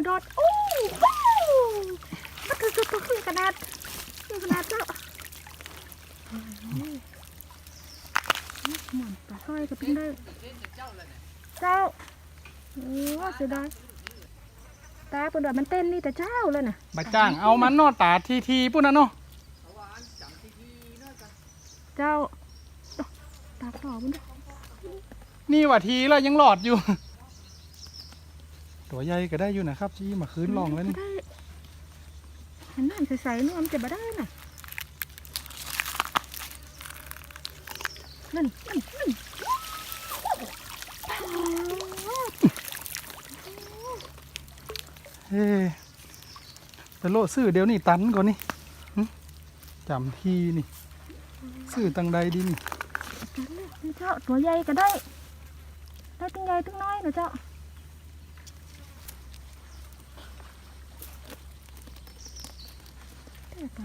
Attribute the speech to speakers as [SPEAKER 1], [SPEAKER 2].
[SPEAKER 1] รถโอ้ว้าวมันคือตัวขนาดเจ้าหมอนปลาสร้อยก็เป็นได้เจ้าโอ้เสียดายตาปุ่นดอกมันเต้นนี่แต่เจ้าเลยน่ะ
[SPEAKER 2] บะจ้างเอามันนอตาทีปุ่นนะเนาะ
[SPEAKER 1] เจ้าตาต่อปุ่นด้วย
[SPEAKER 2] นี่ว่าทีแล้วยังหลอดอยู่ ตัวใหญ่ก็ได้อยู่นะครับชี้มาคืนลองแล้วนี่
[SPEAKER 1] หันหน้าใส่ๆนี่มันจะมาได้น่ะนั่น
[SPEAKER 2] เฮ้ไปโลซื้อเดี๋ยวนี่ตันก่อนนี่จำทีนี่ซื้อตังใดดีนี่
[SPEAKER 1] เจ้าตัวใหญ่ก็ได้ตั้งใหญ่ตั้งน้อยนะเจ้า